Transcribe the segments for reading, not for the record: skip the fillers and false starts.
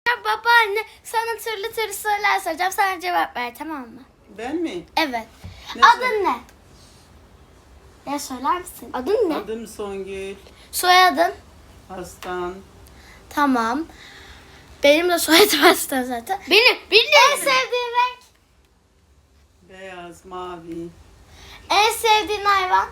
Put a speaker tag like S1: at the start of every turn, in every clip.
S1: Babaanne sana türlü türlü sorular soracağım. Sana cevap ver, tamam mı?
S2: Ben mi?
S1: Evet.
S2: Ne
S1: Adın ne? Ya söyler misin? Adın ne?
S2: Adım Songül.
S1: Soyadın?
S2: Aslan.
S1: Tamam. Benim de soyadım Aslan zaten. Benim en sevdiğin renk?
S2: Beyaz, mavi.
S1: En sevdiğin hayvan?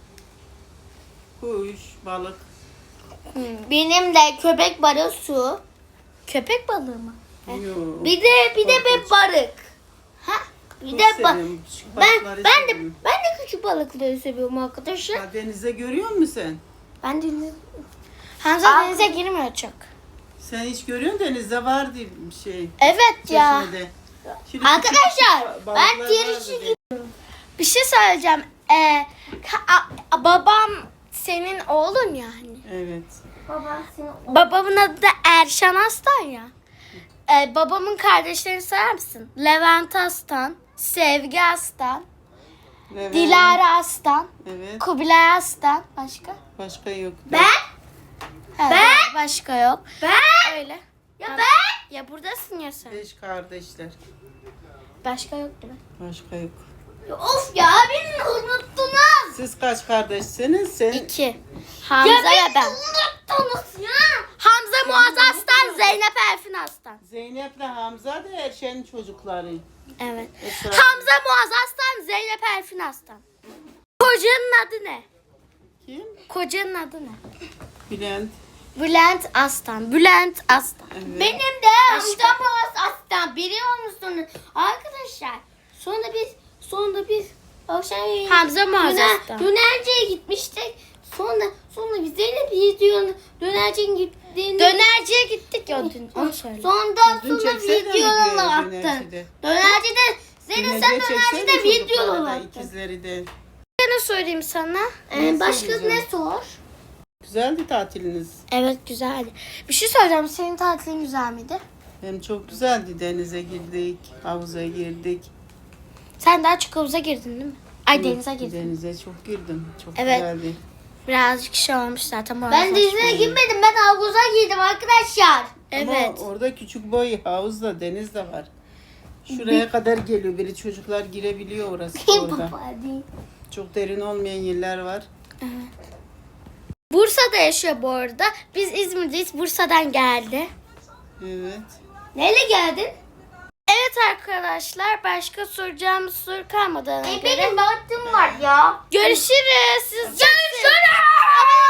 S2: Kuş, balık.
S1: Benim de köpek balığı su. Köpek balığı mı?
S2: Yok.
S1: Bir de bir balık. Ha? Bir
S2: Çok
S1: de
S2: seviyorum, küçük
S1: ben
S2: balıkları
S1: ben de
S2: seviyorum.
S1: ben de küçük balıkları seviyorum arkadaşlar.
S2: Ha, denize görüyor musun sen?
S1: Ben denize Hamza denize girmiyor çok.
S2: Sen hiç görüyorsun denizde var diye bir şey.
S1: Evet ya.
S2: Çeşmede. Şimdi
S1: Arkadaşlar
S2: küçük
S1: ben
S2: balıklar
S1: diğer
S2: vardı
S1: işe
S2: diye.
S1: gidiyorum. Bir şey söyleyeceğim. Babam senin oğlun yani.
S2: Evet.
S1: Babamın adı da Erşan Aslan ya. Babamın kardeşlerini sayar mısın? Levent Aslan, Sevgi Aslan,
S2: Evet.
S1: Dilara Aslan,
S2: Evet.
S1: Kubilay Aslan. Başka?
S2: Başka yok.
S1: Başka yok. Ben? Öyle. Ya ben? Ya buradasın ya sen.
S2: 5 kardeşler.
S1: Başka yok değil mi?
S2: Başka yok.
S1: Of ya beni unuttunuz.
S2: Siz kaç kardeşsiniz? Sen
S1: 2. Hamza ya ben.
S3: Unuttunuz ya.
S1: Hamza Muaz Aslan, Zeynep Elfin Aslan.
S2: Zeynep'le Hamza da Erşen'in çocukları.
S1: Evet.
S2: Esra.
S1: Hamza Muaz Aslan, Zeynep Elfin Aslan. Kocanın adı ne?
S2: Kim?
S1: Kocanın adı ne?
S2: Bülent.
S1: Bülent Aslan. Bülent Aslan.
S2: Evet.
S3: Benim de amcam aslan biliyor musunuz? Arkadaşlar sonra biz akşam
S1: Hamza Muaz Aslan.
S3: dönerciye gitmiştik. Sonra biz Zeynep videonun dönerciye gittiğinde
S1: Dönerciye gittik ya dün. Onu söyle.
S3: sonra
S2: Dün çeksene
S3: videolarını
S2: videoyu
S3: attın.
S2: dönercide.
S3: Dönercide Zeynep sen dönercide videolarını
S2: videoları
S3: attın.
S2: ikizleri de.
S1: Ne söyleyeyim sana?
S3: Başka
S2: söyleyeceğim?
S3: ne sor?
S2: Güzeldi tatiliniz.
S1: Evet güzeldi. Bir şey söyleyeceğim. Senin tatilin güzel miydi?
S2: Hem çok güzeldi. Denize girdik, havuza girdik.
S1: Sen daha çok havuza girdin değil mi? Ay denize girdin.
S2: Denize çok girdim. Çok
S1: Evet.
S2: güzeldi.
S1: Birazcık şey olmuş zaten.
S3: Ben denize girmedim. Ben havuza girdim arkadaşlar.
S1: Evet.
S2: Ama orada küçük boy havuzla deniz de var. Şuraya kadar geliyor. Biri çocuklar girebiliyor orası orada. Çok derin olmayan yerler var.
S1: Bursa'da yaşıyor bu arada. Biz İzmir'deyiz. Bursa'dan geldi.
S2: Evet.
S3: Neyle geldin?
S1: Evet arkadaşlar. Başka soracağımız soru kalmadı.
S3: Benim baktım var ya.
S1: Görüşürüz. Siz
S3: Görüşürüz.